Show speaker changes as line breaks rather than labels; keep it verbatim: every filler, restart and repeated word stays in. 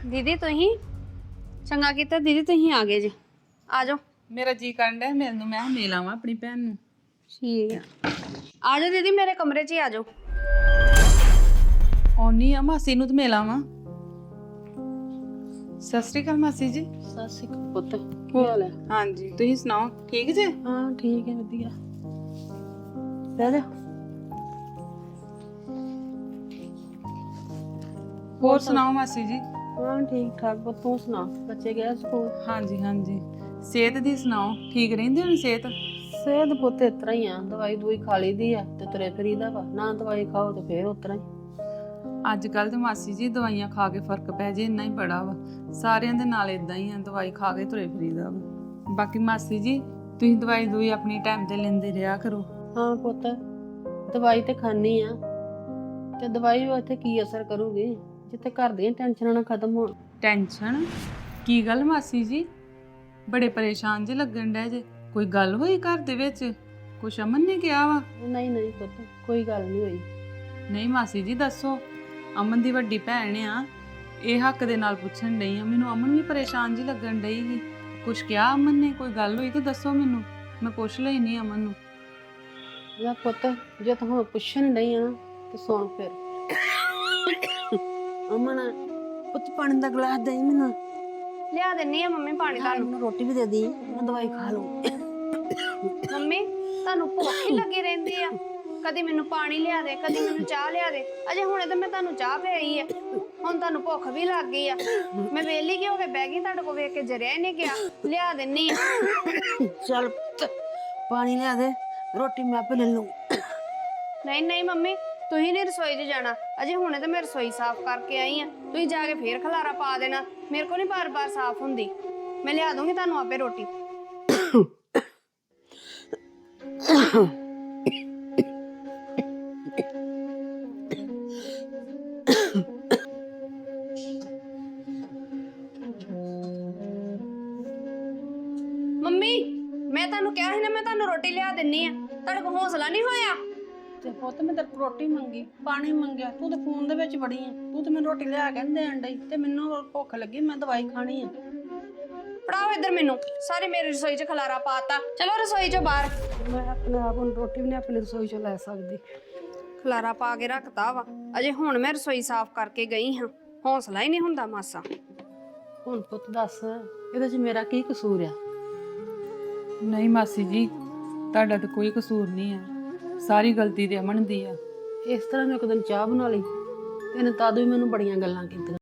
दीदी तुही चंगा कीता दीदी तुही आ गए जी आ जाओ।
ਮੇਰਾ ਜੀ ਕਰਨ ਡਿਆ ਮਿਲਣ ਨੂੰ। ਮੈਂ ਕਿਹਾ ਮਿਲ ਆਵਾਂ ਆਪਣੀ ਭੈਣ ਨੂੰ।
ठीक है आ जाओ दीदी मेरे कमरे च ही आ जाओ।
ਆਉਣੀ ਆ ਮਾਸੀ ਨੂੰ ਤੇ ਮਿਲ ਆਵਾਂ। ਸਤਿ ਸ਼੍ਰੀ ਅਕਾਲ ਮਾਸੀ ਜੀ।
ਸਤਿ ਸ਼੍ਰੀ ਅਕਾਲ ਪੁੱਤ, ਕੀ ਹਾਲ ਹੈ?
ਹਾਂਜੀ ਤੁਸੀਂ ਸੁਣਾਓ, ਠੀਕ ਜੇ?
ਹਾਂ ਠੀਕ ਹੈ, ਵਧੀਆ। ਬਹਿ ਜਾ।
ਹੋਰ ਸੁਣਾਓ ਮਾਸੀ ਜੀ।
ਹਾਂ ਠੀਕ ਠਾਕ ਪੁੱਤ, ਤੂੰ ਸੁਣਾ? ਬੱਚੇ ਗਏ ਸਕੂਲ?
ਹਾਂਜੀ ਹਾਂਜੀ। ਸਿਹਤ ਦੀ ਸੁਣਾਓ, ਠੀਕ ਰਹਿੰਦੀ ਹੁਣ ਸਿਹਤ?
ਸਿਹਤ ਪੁੱਤ ਇਸ ਤਰ੍ਹਾਂ ਹੀ ਆ, ਦਵਾਈ ਦੂਈ ਖਾ ਲਈਦੀ ਆ ਤੇ ਤੁਰੇ ਫਿਰੀਦਾ ਵਾ, ਨਾ ਦਵਾਈ ਖਾਓ ਤੇ ਫੇਰ ਉਸ ਤਰ੍ਹਾਂ ਹੀ।
ਅੱਜ ਕੱਲ ਤੇ ਮਾਸੀ ਜੀ ਦਵਾਈਆਂ ਖਾ ਕੇ ਫਰਕ ਪੈ ਜੇ ਇੰਨਾ ਹੀ ਬੜਾ ਵਾ। ਸਾਰਿਆਂ ਦੇ ਨਾਲ ਇਦਾਂ ਹੀ ਆ, ਦਵਾਈ ਖਾ ਕੇ ਤੁਰੇ ਫਿਰੀਦਾ ਵਾ। ਬਾਕੀ ਮਾਸੀ ਜੀ ਤੁਸੀਂ ਦਵਾਈ ਦੂਈ ਆਪਣੀ ਟਾਈਮ ਤੇ ਲੈਂਦੇ ਰਿਹਾ ਕਰੋ।
ਹਾਂ ਪੁੱਤ, ਦਵਾਈ ਤੇ ਖਾਣੀ ਆ, ਤੇ ਦਵਾਈ ਉੱਥੇ ਕੀ ਅਸਰ ਕਰੂਗੀ ਜਿੱਥੇ ਘਰ ਦੀਆਂ ਟੈਨਸ਼ਨਾਂ ਨਾ ਖਤਮ ਹੋਣ।
ਟੈਨਸ਼ਨ? ਕੀ ਗੱਲ ਮਾਸੀ ਜੀ, ਬੜੇ ਪਰੇਸ਼ਾਨ ਜੇ ਲੱਗਣ ਡੈ ਜੇ। ਕੋਈ ਗੱਲ ਹੋਈ ਘਰ ਦੇ ਵਿੱਚ? ਕੁਛ ਅਮਨ ਨੇ ਕਿਹਾ ਵਾ?
ਨਹੀਂ ਨਹੀਂ ਪੁੱਤ, ਕੋਈ ਗੱਲ ਨਹੀਂ ਹੋਈ।
ਨਹੀਂ ਮਾਸੀ ਜੀ ਦੱਸੋ, ਅਮਨ ਦੀ ਵੱਡੀ ਭੈਣ ਆ, ਇਹ ਹੱਕ ਦੇ ਨਾਲ ਪੁੱਛਣ ਡਈ ਆ। ਮੈਨੂੰ ਅਮਨ ਵੀ ਪਰੇਸ਼ਾਨ ਜੀ ਲੱਗਣ ਡਈ ਸੀ। ਕੁਛ ਕਿਹਾ ਅਮਨ ਨੇ? ਕੋਈ ਗੱਲ ਹੋਈ ਤਾਂ ਦੱਸੋ ਮੈਨੂੰ, ਮੈਂ ਪੁੱਛ ਲਈ ਨਹੀਂ ਅਮਨ ਨੂੰ।
ਯਾ ਪੁੱਤ, ਜੇ ਤੂੰ ਹੁਣ ਪੁੱਛਣ ਡਈ ਆ ਨਾ ਤੇ ਸੁਣ ਫਿਰ। ਅਮਨ ਪੁੱਤ, ਪਾਣੀ ਦਾ ਗਲਾਸ ਦੇ ਮੈਨੂੰ।
लिया देनी है मम्मी पानी
ਹਾਂ,
तानू।
ਮੈਨੂੰ ਰੋਟੀ ਵੀ ਦੇ ਦੀ, ਮੈਂ ਦਵਾਈ ਖਾ ਲੂੰ।
ਮੰਮੀ ਤੁਹਾਨੂੰ ਭੁੱਖ ਹੀ ਲੱਗੀ ਰਹਿੰਦੀ ਆ, ਕਦੀ ਮੈਨੂੰ ਪਾਣੀ ਲਿਆ ਦੇ, ਕਦੀ ਮੈਨੂੰ ਚਾਹ ਲਿਆ ਦੇ। ਅਜੇ ਹੁਣੇ ਤਾਂ ਮੈਂ ਤੁਹਾਨੂੰ ਚਾਹ ਪਿਆਈ ਆ, ਹੁਣ ਤੁਹਾਨੂੰ ਭੁੱਖ ਵੀ ਲੱਗ ਗਈ ਆ। ਮੈਂ ਵੇਲੀ ਕਿ ਹੋ ਕੇ ਬਹਿ ਗਈ, ਤੁਹਾਡੇ ਕੋਲ ਵੇਖ ਕੇ ਜਰਿਆ ਹੀ ਨਹੀਂ ਗਿਆ। ਲਿਆ ਦਿੰਨੀ ਆ।
ਚੱਲ ਪੁੱਤ, ਪਾਣੀ ਲਿਆ ਦੇ, ਰੋਟੀ ਮੈਂ ਆਪੇ ਲੈ ਲੂੰ।
ਨਹੀਂ ਨਹੀਂ ਮੰਮੀ, ਤੁਸੀਂ ਨਹੀਂ ਰਸੋਈ 'ਚ ਜਾਣਾ। ਅਜੇ ਹੁਣੇ ਤਾਂ ਮੈਂ ਰਸੋਈ ਸਾਫ਼ ਕਰਕੇ ਆਈ ਆ, ਤੁਸੀਂ ਜਾ ਕੇ ਫੇਰ ਖਲਾਰਾ ਪਾ ਦੇਣਾ। ਮੇਰੇ ਕੋਲ ਨਹੀਂ ਬਾਰ-ਬਾਰ ਸਾਫ਼ ਹੁੰਦੀ। ਮੈਂ ਲਿਆ ਦੂੰਗੀ ਤੁਹਾਨੂੰ ਆਪੇ ਰੋਟੀ। ਮੰਮੀ ਮੈਂ ਤੁਹਾਨੂੰ ਕਿਹਾ ਸੀ ਨਾ, ਮੈਂ ਤੁਹਾਨੂੰ ਰੋਟੀ ਲਿਆ ਦਿੰਨੀ ਆ। ਤੁਹਾਡੇ ਕੋਲ ਹੌਸਲਾ ਨਹੀਂ ਹੋਇਆ?
ਤੇ ਪੁੱਤ, ਮੈਂ ਤੇਰੇ ਕੋਲ ਰੋਟੀ ਮੰਗੀ, ਪਾਣੀ ਮੰਗਿਆ, ਤੂੰ ਤੇ ਫੋਨ ਦੇ ਵਿੱਚ ਵੜੀ ਆ। ਤੂੰ ਤੇ ਮੈਨੂੰ ਰੋਟੀ ਲਿਆ ਕੇ ਦੇਣ ਡਈ, ਤੇ ਮੈਨੂੰ ਭੁੱਖ ਲੱਗੀ, ਮੈਂ ਦਵਾਈ ਖਾਣੀ ਆ।
ਫੜਾਓ ਇੱਧਰ ਮੈਨੂੰ। ਸਾਰੇ ਮੇਰੀ ਰਸੋਈ 'ਚ ਖਲਾਰਾ ਪਾਤਾ। ਚਲੋ ਰਸੋਈ 'ਚੋਂ ਬਾਹਰ।
ਮੈਂ ਆਪਣੇ ਆਪ ਨੂੰ ਰੋਟੀ ਵੀ ਨਹੀਂ ਆਪਣੀ ਰਸੋਈ ਚੋਂ ਲੈ ਸਕਦੀ।
ਖਲਾਰਾ ਪਾ ਕੇ ਰੱਖਤਾ ਵਾ। ਅਜੇ ਹੁਣ ਮੈਂ ਰਸੋਈ ਸਾਫ਼ ਕਰਕੇ ਗਈ ਹਾਂ, ਹੌਸਲਾ ਹੀ ਨਹੀਂ ਹੁੰਦਾ ਮਾਸਾ।
ਹੁਣ ਪੁੱਤ ਦੱਸ, ਇਹਦੇ 'ਚ ਮੇਰਾ ਕੀ ਕਸੂਰ ਆ?
ਨਹੀਂ ਮਾਸੀ ਜੀ, ਤੁਹਾਡਾ ਤਾਂ ਕੋਈ ਕਸੂਰ ਨਹੀਂ ਆ, ਸਾਰੀ ਗਲਤੀ ਤੇ ਅਮਨ ਦੀ ਆ।
ਇਸ ਤਰ੍ਹਾਂ ਮੈਂ ਇੱਕ ਦਿਨ ਚਾਹ ਬਣਾ ਲਈ, ਤੇ ਇਹਨੇ ਤਦ ਵੀ ਮੈਨੂੰ ਬੜੀਆਂ ਗੱਲਾਂ ਕੀਤੀਆਂ।